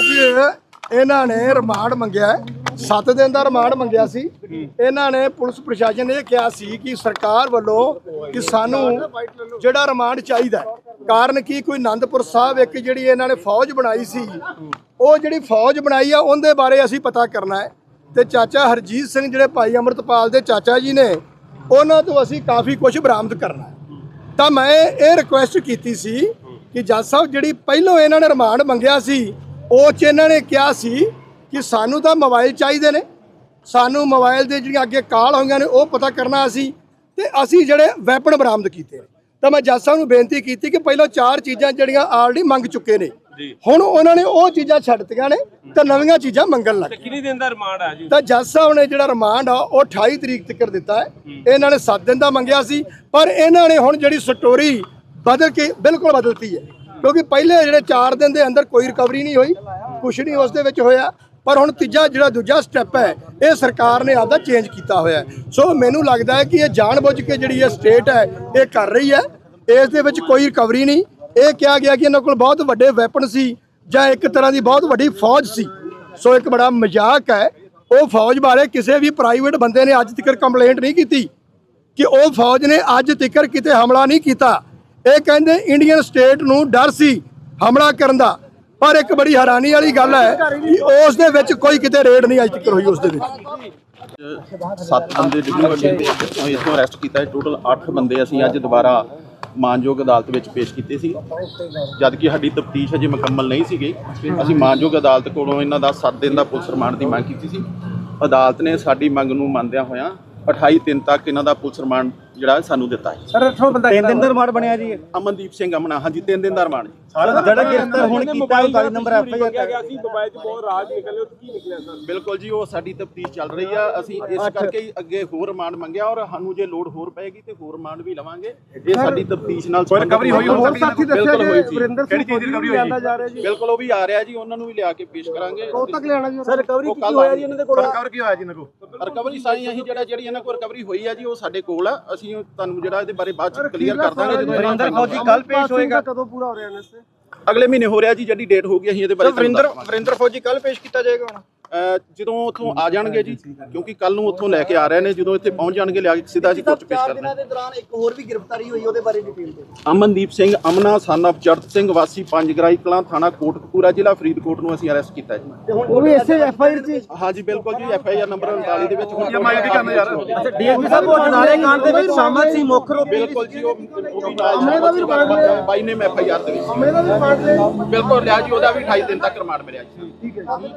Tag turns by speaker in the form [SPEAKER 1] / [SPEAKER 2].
[SPEAKER 1] ਅੱਜ ਇਹਨਾਂ ਨੇ ਰਿਮਾਂਡ ਮੰਗਿਆ 7 ਦਿਨ ਦਾ ਰਿਮਾਂਡ ਮੰਗਿਆ ਸੀ। ਇਹਨਾਂ ਨੇ ਪੁਲਿਸ ਪ੍ਰਸ਼ਾਸਨ ਨੇ ਇਹ ਕਿਹਾ ਸੀ ਕਿ ਸਰਕਾਰ ਵੱਲੋਂ ਕਿ ਸਾਨੂੰ ਜਿਹੜਾ ਰਿਮਾਂਡ ਚਾਹੀਦਾ। ਕਾਰਨ ਕੀ, ਕੋਈ ਆਨੰਦਪੁਰ ਸਾਹਿਬ ਇੱਕ ਜਿਹੜੀ ਇਹਨਾਂ ਨੇ ਫੌਜ ਬਣਾਈ ਸੀ, ਉਹ ਜਿਹੜੀ ਫੌਜ ਬਣਾਈ ਆ ਉਹਦੇ ਬਾਰੇ ਅਸੀਂ ਪਤਾ ਕਰਨਾ ਹੈ। ਤੇ ਚਾਚਾ ਹਰਜੀਤ ਸਿੰਘ ਜਿਹੜੇ ਭਾਈ ਅੰਮ੍ਰਿਤਪਾਲ ਦੇ ਚਾਚਾ ਜੀ ਨੇ, ਉਹਨਾਂ ਤੋਂ ਅਸੀਂ ਕਾਫੀ ਕੁਝ ਬਰਾਮਦ ਕਰਨਾ ਹੈ। ਤਾਂ ਮੈਂ ਇਹ ਰਿਕੁਐਸਟ ਕੀਤੀ ਸੀ ਕਿ ਜੱਜ ਸਾਹਿਬ ਜਿਹੜੀ ਪਹਿਲੋਂ ਇਹਨਾਂ ਨੇ ਰਿਮਾਂਡ ਮੰਗਿਆ ਸੀ, ਉਹ 'ਚ ਇਹਨਾਂ ਨੇ ਕਿਹਾ ਸੀ ਕਿ ਸਾਨੂੰ ਤਾਂ ਮੋਬਾਈਲ ਚਾਹੀਦੇ ਨੇ, ਸਾਨੂੰ ਮੋਬਾਈਲ ਦੇ ਜਿਹੜੀਆਂ ਅੱਗੇ ਕਾਲ ਹੋਈਆਂ ਨੇ ਉਹ ਪਤਾ ਕਰਨਾ ਅਸੀਂ, ਤੇ ਅਸੀਂ ਜਿਹੜੇ ਵੈਪਨ ਬਰਾਮਦ ਕੀਤੇ ਨੇ। ਤਾਂ ਮੈਂ ਜੱਜ ਸਾਹਿਬ ਨੂੰ ਬੇਨਤੀ ਕੀਤੀ ਕਿ ਪਹਿਲਾਂ 4 ਚੀਜ਼ਾਂ ਜਿਹੜੀਆਂ ਆਲਰੇਡੀ ਮੰਗ ਚੁੱਕੇ ਨੇ, ਹੁਣ ਉਹਨਾਂ ਨੇ ਉਹ ਚੀਜ਼ਾਂ ਛੱਡਤੀਆਂ ਨੇ ਤੇ ਨਵੀਆਂ ਚੀਜ਼ਾਂ ਮੰਗਣ ਲੱਗ ਗਏ।
[SPEAKER 2] ਕਿੰਨੇ ਦਿਨ ਦਾ ਰਿਮਾਂਡ ਆ ਜੀ?
[SPEAKER 1] ਤਾਂ ਜੱਜ ਸਾਹਿਬ ਨੇ ਜਿਹੜਾ ਰਿਮਾਂਡ ਆ ਉਹ 28 ਤਰੀਕ ਤੱਕ ਦਿੱਤਾ ਹੈ। ਇਹਨਾਂ ਨੇ 7 ਦਿਨ ਦਾ ਮੰਗਿਆ ਸੀ, ਪਰ ਇਹਨਾਂ ਨੇ ਹੁਣ ਜਿਹੜੀ ਸਟੋਰੀ ਬਦਲ ਕੇ ਬਿਲਕੁਲ ਬਦਲਤੀ ਹੈ, ਕਿਉਂਕਿ ਪਹਿਲੇ ਜਿਹੜੇ 4 ਦਿਨ ਦੇ ਅੰਦਰ ਕੋਈ ਰਿਕਵਰੀ ਨਹੀਂ ਹੋਈ, ਕੁਛ ਨਹੀਂ ਉਸ ਦੇ ਵਿੱਚ ਹੋਇਆ। ਪਰ ਹੁਣ ਤੀਜਾ ਜਿਹੜਾ ਦੂਜਾ ਸਟੈਪ ਹੈ, ਇਹ ਸਰਕਾਰ ਨੇ ਆਪਦਾ ਚੇਂਜ ਕੀਤਾ ਹੋਇਆ। ਸੋ ਮੈਨੂੰ ਲੱਗਦਾ ਹੈ ਕਿ ਇਹ ਜਾਣਬੁੱਝ ਕੇ ਜਿਹੜੀ ਇਹ ਸਟੇਟ ਹੈ ਇਹ ਕਰ ਰਹੀ ਹੈ। ਇਸ ਦੇ ਵਿੱਚ ਕੋਈ ਰਿਕਵਰੀ ਨਹੀਂ। ਇਹ ਕਿਹਾ ਗਿਆ ਕਿ ਇਹਨਾਂ ਕੋਲ ਬਹੁਤ ਵੱਡੇ ਵੈਪਨ ਸੀ ਜਾਂ ਇੱਕ ਤਰ੍ਹਾਂ ਦੀ ਬਹੁਤ ਵੱਡੀ ਫੌਜ ਸੀ। ਸੋ ਇੱਕ ਬੜਾ ਮਜ਼ਾਕ ਹੈ। ਉਹ ਫੌਜ ਬਾਰੇ ਕਿਸੇ ਵੀ ਪ੍ਰਾਈਵੇਟ ਬੰਦੇ ਨੇ ਅੱਜ ਤੱਕ ਕੰਪਲੇਂਟ ਨਹੀਂ ਕੀਤੀ ਕਿ ਉਹ ਫੌਜ ਨੇ ਅੱਜ ਤੱਕ ਕਿਤੇ ਹਮਲਾ ਨਹੀਂ ਕੀਤਾ। ਇਹ ਕਹਿੰਦੇ ਇੰਡੀਅਨ ਸਟੇਟ ਨੂੰ ਡਰ ਸੀ ਹਮਲਾ ਕਰਨ ਦਾ, ਪਰ ਇੱਕ ਬੜੀ ਹੈਰਾਨੀ ਵਾਲੀ ਗੱਲ ਹੈ ਕਿ ਉਸ ਦੇ ਵਿੱਚ ਕੋਈ ਕਿਤੇ ਰੇਡ ਨਹੀਂ ਅੱਜ ਤੱਕ ਹੋਈ। ਉਸ ਦੇ ਵਿੱਚ
[SPEAKER 3] 7 ਬੰਦੇ ਇੱਥੋਂ ਅਰੈਸਟ ਕੀਤਾ ਹੈ। ਟੋਟਲ 8 ਬੰਦੇ ਅਸੀਂ ਅੱਜ ਦੁਬਾਰਾ ਮਾਨਯੋਗ ਅਦਾਲਤ ਵਿੱਚ ਪੇਸ਼ ਕੀਤੇ ਸੀ। ਜਦ ਕਿ ਸਾਡੀ ਤਫਤੀਸ਼ ਅਜੇ ਮੁਕੰਮਲ ਨਹੀਂ ਸੀਗੀ, ਅਸੀਂ ਮਾਨਯੋਗ ਅਦਾਲਤ ਕੋਲੋਂ ਇਹਨਾਂ ਦਾ 7 ਦਿਨ ਦਾ ਪੁਲਿਸ ਰਿਮਾਂਡ ਦੀ ਮੰਗ ਕੀਤੀ ਸੀ। ਅਦਾਲਤ ਨੇ ਸਾਡੀ ਮੰਗ ਨੂੰ ਮੰਨਦਿਆਂ ਹੋਇਆਂ 28 ਦਿਨ ਤੱਕ ਇਹਨਾਂ ਦਾ ਪੁਲਿਸ ਰਿਮਾਂਡ ਜਿਹੜਾ ਸਾਨੂੰ ਦਿੱਤਾ ਹੈ।
[SPEAKER 4] ਸਰ 3 ਦਿਨ ਦਾ ਰਿਮਾਂਡ ਬਣਿਆ ਜੀ।
[SPEAKER 3] ਅਮਨਦੀਪ ਸਿੰਘ ਅਮਨਾ, ਹਾਂਜੀ 3 ਦਿਨ ਦਾ ਰਿਮਾਂਡ।
[SPEAKER 4] ਜਿਹੜਾ ਗ੍ਰਿਫਤਾਰ ਹੁਣ ਕੀਤਾ ਉਹ 40 ਨੰਬਰ ਐਫ ਆਈ ਆਰ
[SPEAKER 2] ਗਿਆ ਸੀ। ਮੋਬਾਈਲ 'ਚ ਬਹੁਤ ਰਾਜ ਨਿਕਲੇ, ਉਹ ਕੀ ਨਿਕਲਿਆ ਸਰ?
[SPEAKER 3] ਬਿਲਕੁਲ ਜੀ, ਉਹ ਸਾਡੀ ਤਫਤੀਸ਼ ਚੱਲ ਰਹੀ ਆ। ਅਸੀਂ ਇਸ ਕਰਕੇ ਹੀ ਅੱਗੇ ਹੋਰ ਰਿਮਾਂਡ ਮੰਗਿਆ, ਔਰ ਸਾਨੂੰ ਜੇ ਲੋੜ ਹੋਰ ਪਏਗੀ ਤੇ ਹੋਰ ਰਿਮਾਂਡ ਵੀ ਲਵਾਂਗੇ। ਇਹ ਸਾਡੀ ਤਫਤੀਸ਼ ਨਾਲ
[SPEAKER 4] ਰਿਕਵਰੀ ਹੋਈ ਹੋਰ ਸਾਥੀ ਦੱਸਿਆ
[SPEAKER 3] ਬਿਲਕੁਲ ਹੋਈ ਸੀ।
[SPEAKER 4] ਕਿਹੜੀ ਚੀਜ਼ ਦੀ ਰਿਕਵਰੀ ਹੋਈ ਜਾ ਰਿਹਾ ਜੀ?
[SPEAKER 3] ਬਿਲਕੁਲ ਉਹ ਵੀ ਆ ਰਿਹਾ ਜੀ, ਉਹਨਾਂ ਨੂੰ ਵੀ ਲਿਆ ਕੇ ਪੇਸ਼ ਕਰਾਂਗੇ।
[SPEAKER 4] ਉਹ ਤੱਕ ਲਿਆਣਾ ਜੀ ਸਰ। ਰਿਕਵਰੀ ਕੀ ਹੋਇਆ ਜੀ ਇਹਨਾਂ ਦੇ ਕੋਲ? ਰਿਕਵਰ ਕੀ ਹੋਇਆ ਜੀ ਇਹਨਾਂ ਕੋਲ?
[SPEAKER 3] ਰਿਕਵਰੀ ਸਾਰੀ ਅਸੀਂ ਜਿਹੜੀ ਇਹਨਾਂ ਕੋਲ ਰਿਕਵਰੀ ਹੋਈ ਆ ਜੀ, ਉਹ ਸਾਡੇ ਕੋਲ ਆ। ਅਸੀਂ ਤੁਹਾਨੂੰ ਜਿਹੜਾ ਇਹਦੇ ਬਾਰੇ ਬਾਅਦ ਚ ਕਲੀਅਰ ਕਰ ਦਾਂਗੇ ਜਦੋਂ
[SPEAKER 4] ਵਰਿੰਦਰ ਫੌਜੀ ਕੱਲ ਪੇਸ਼ ਹੋਏਗਾ। ਕਦੋਂ ਪੂਰਾ ਹੋ ਰਿਹਾ ਇਹਨਾਂ ਸੇ?
[SPEAKER 3] ਅਗਲੇ ਮਹੀਨੇ ਹੋ ਰਿਹਾ ਜੀ, ਜਿਹੜੀ ਡੇਟ ਹੋ ਗਈ ਅਸੀਂ ਇਹਦੇ ਬਾਰੇ
[SPEAKER 4] ਵਰਿੰਦਰ ਫੌਜੀ ਕੱਲ ਪੇਸ਼ ਕੀਤਾ ਜਾਏਗਾ ਹੁਣ?
[SPEAKER 3] ਜਦੋਂ ਉੱਥੋਂ ਆ ਜਾਣਗੇ ਜੀ, ਕਿਉਂਕਿ ਕੱਲ ਨੂੰ ਉੱਥੋਂ ਲੈ ਕੇ ਆ ਰਹੇ ਨੇ। ਜਦੋਂ ਇੱਥੇ ਪਹੁੰਚ ਜਾਣਗੇ ਲਿਆ ਕੇ ਸਿੱਧਾ ਅਸੀਂ ਕੋਰਟ 'ਚ ਪੇਸ਼ ਕਰ ਦਾਂਗੇ।
[SPEAKER 4] 4 ਦਿਨਾਂ ਦੇ ਦੌਰਾਨ ਇੱਕ ਹੋਰ ਵੀ ਗ੍ਰਿਫਤਾਰੀ ਹੋਈ, ਉਹਦੇ ਬਾਰੇ ਡਿਟੇਲ ਦਿਓ।
[SPEAKER 3] ਅਮਨਦੀਪ ਸਿੰਘ ਅਮਨਾ ਸਨ ਆਫ ਚੜਤ ਸਿੰਘ ਵਾਸੀ ਪੰਜਗਰਾਈ ਕਲਾਂ, ਥਾਣਾ ਕੋਟਕਪੂਰਾ, ਜ਼ਿਲ੍ਹਾ ਫਰੀਦਕੋਟ ਨੂੰ ਅਸੀਂ ਅਰੈਸਟ ਕੀਤਾ ਜੀ।
[SPEAKER 4] ਉਹ ਵੀ ਇਸੇ ਐਫ ਆਈ ਆਰ 'ਚ?
[SPEAKER 3] ਹਾਂਜੀ ਬਿਲਕੁਲ ਜੀ, ਐਫ ਆਈ ਆਰ ਨੰਬਰ 39 ਦੇ ਵਿੱਚ ਹੁਣ
[SPEAKER 4] ਵੀ ਕਰਨਾ ਯਾਰ। ਅੱਛਾ, ਡੀਐਸਪੀ ਸਾਹਿਬ ਉਹ ਨਾਲੇ ਕਾਂਡ ਦੇ ਵਿੱਚ ਸ਼ਾਮਲ ਸੀ ਮੁੱਖ ਰੂਪ?
[SPEAKER 3] ਬਿਲਕੁਲ ਜੀ, ਉਹ ਬਾਈ ਨੇ ਐਫ ਆਈ ਆਰ ਦੇ ਵਿੱਚ
[SPEAKER 4] ਦਾ ਵੀ ਰਿਮਾਂਡ ਲਿਆ?
[SPEAKER 3] ਬਿਲਕੁਲ ਲਿਆ ਜੀ, ਉਹਦਾ ਵੀ 28 ਦਿਨ ਤੱਕ ਰਿਮਾਂਡ ਮਿਲਿਆ ਜੀ।
[SPEAKER 4] ਠੀਕ ਹੈ।